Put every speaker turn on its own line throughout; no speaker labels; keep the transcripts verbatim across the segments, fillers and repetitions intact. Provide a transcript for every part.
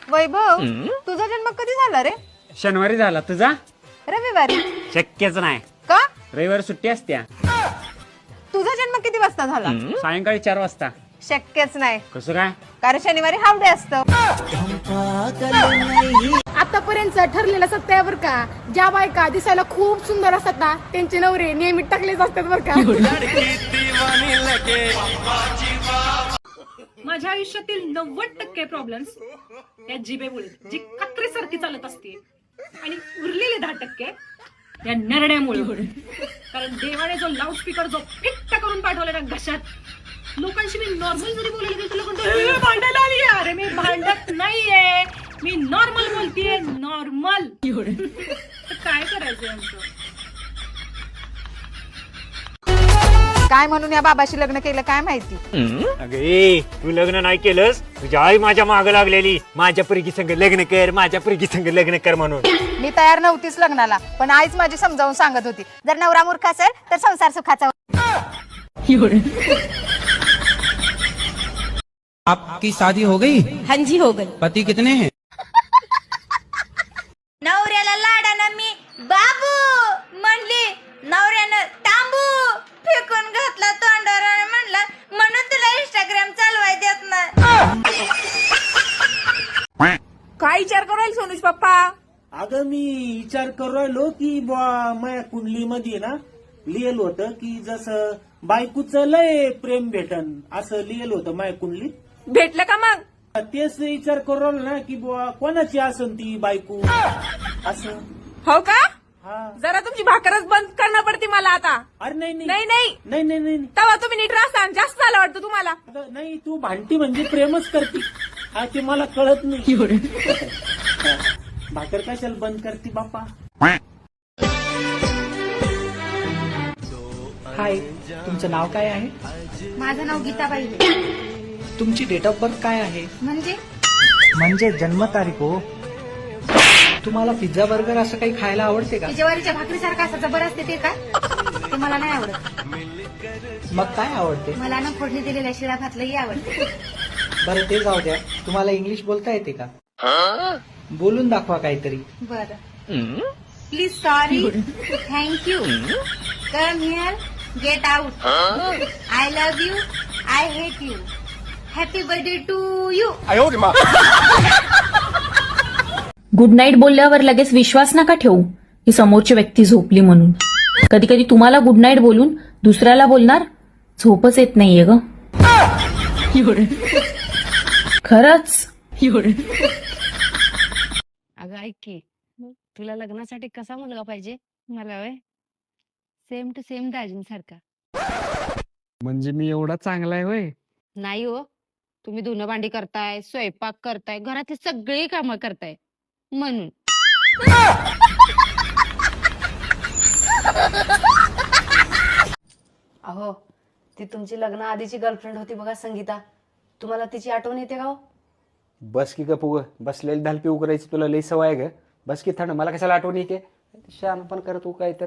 वैभव तुझा जन्म कधी झाला रे?
शनिवारी झाला. तुझा?
रविवारी.
शक्यच नाही.
का?
रविवारी सुट्टी असत्या.
तुझा जन्म किती वाजता झाला?
सायंकाळी चार वाजता.
शक्यच नाही.
कसं काय?
कारण शनिवारी हाफ डे असतं.
आतापर्यंत ठरलेलं सत्यावर का ज्या बायका दिसायला खूप सुंदर असतात ना त्यांचे नवरे नेहमी टाकलेच असतात बर का.
माझ्या आयुष्यातील नव्वद टक्के प्रॉब्लेम्स या जिभेमुळे जी कात्रीसारखी चालत असते आणि उरलेले दहा टक्के या नरड्यामुळे. कारण देवाने जो लाऊडस्पीकर जो फिट्ट करून पाठवला ना घशात लोकांशी मी नॉर्मल जरी बोलायला गेले तुला कोणतं भांडायला आली. अरे मी भांडत नाहीये, मी नॉर्मल बोलतीये. नॉर्मल काय करायचं यांचं?
काय म्हणून या बाबाशी लग्न केलं काय माहिती.
अगे तू लग्न नाही केलंस, तुझी आई माझ्या माग लागलेली माझ्या पोरगी संग लग्न कर, माझ्या पोरगी संग लग्न कर म्हणून.
मी तयार नव्हतीच लग्नाला, पण आईच माझी समजावून सांगत होती जर नवरा मूर्ख असेल तर संसार सुखाचा.
आपकी शादी हो गई?
हाँ जी हो गई.
पति कितने हैं?
नवऱ्याला लाडानं मी बाबू म्हणली, नवऱ्यानं तांबू फेकून घातला तोंडावर आणि म्हणला म्हणून तुला इंस्टाग्राम चालवाय देत नाही.
काय विचार करायला सोनूज पप्पा?
अगं मी विचार करू राहिलो की बा माया कुंडली मध्ये ना लिहिलं होतं की जसं बायकोचं लय प्रेम भेटन असं लिहिलं होतं माया कुंडलीत.
भेटलं का मग?
तेच विचार करू राहिलो ना की बुवा कोणाची असन ती बायको असं.
हो का?
हा.
जरा तुमची भाकरच बंद करणं पडते मला आता.
अरे नाही
नाही
नाही
नाही
नाही नाही नाही
तेव्हा तुम्ही नीट राहता. जास्त झालं वाटतं तुम्हाला.
अगं, नाही तू भांडती म्हणजे प्रेमच करते हा, ते मला कळत नाही. भाकर कशाला बंद करते बापा.
हाय, तुमचं नाव काय आहे?
माझं नाव गीताबाई.
तुमची डेट ऑफ बर्थ काय आहे?
म्हणजे
म्हणजे जन्मतारीख हो. तुम्हाला पिझ्झा बर्गर असं काही खायला आवडते का?
ज्वारीच्या भाकरीसारखं असं जबर असते ते का? ते मला नाही आवडत.
मग काय आवडते?
मला ना फोडणी दिलेल्या शिळा भातलंही आवडतं.
बरं ते जाऊ द्या, तुम्हाला इंग्लिश बोलता येते का? बोलून दाखवा काहीतरी.
बरं. Please sorry thank you come here get out I love you I hate you happy birthday to you.
Good night बोलल्यावर लगेच विश्वास नका ठेवू की समोरची व्यक्ती झोपली म्हणून. कधी कधी तुम्हाला गुड नाईट बोलून दुसऱ्याला बोलणार झोपच येत नाहीये ग. खरंच.
अगं ऐक की, तुला लग्नासाठी कसा मुलगा पाहिजे? मला वय सेम टू सेम दाजींसारखा.
म्हणजे मी एवढा चांगला आहे होय?
नाही हो, तुम्ही धुणं भांडी करताय, स्वयंपाक करताय, घरातली सगळी कामं करताय म्हणून.
अहो, ती तुमची लग्न आधीची गर्लफ्रेंड होती बघा संगीता, तुम्हाला तिची आठवण येते का?
बस की गप उग बसलेली धाल पिऊ करायची तुला लई सवय आहे ग. बस की थंड, मला कशाला आठवण येते? शान पण करत तू काय तर.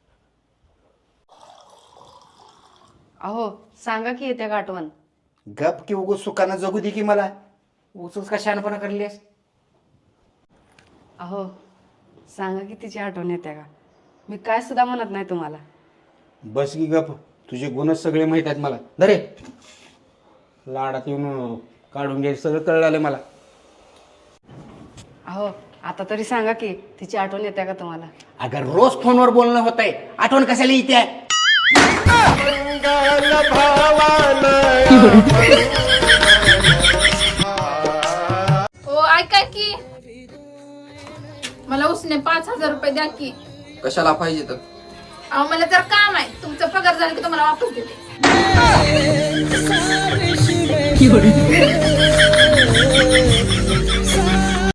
अहो सांगा की येते का आठवण?
गप की उग सुखानं जगू दे की मला. उचूच का शहाणपणा करलीस?
अहो सांगा की तिची आठवण येते का? मी काय सुद्धा म्हणत नाही तुम्हाला.
बस की गप, तुझे गुणच सगळे माहित आहेत मला. धरे लाडात येऊन काढून घ्यायचं सगळं कळलं आलं मला.
अहो आता तरी सांगा की तिची आठवण येते का तुम्हाला?
अगर रोज फोनवर बोलणं होत आहे, आठवण कशाला येते?
ओ ऐका की, मला उसने पाच हजार रुपये द्या की.
कशाला पाहिजे तर?
अहो मला जर काम आहे, तुमचा पगार झाला की तुम्हाला वापस देते.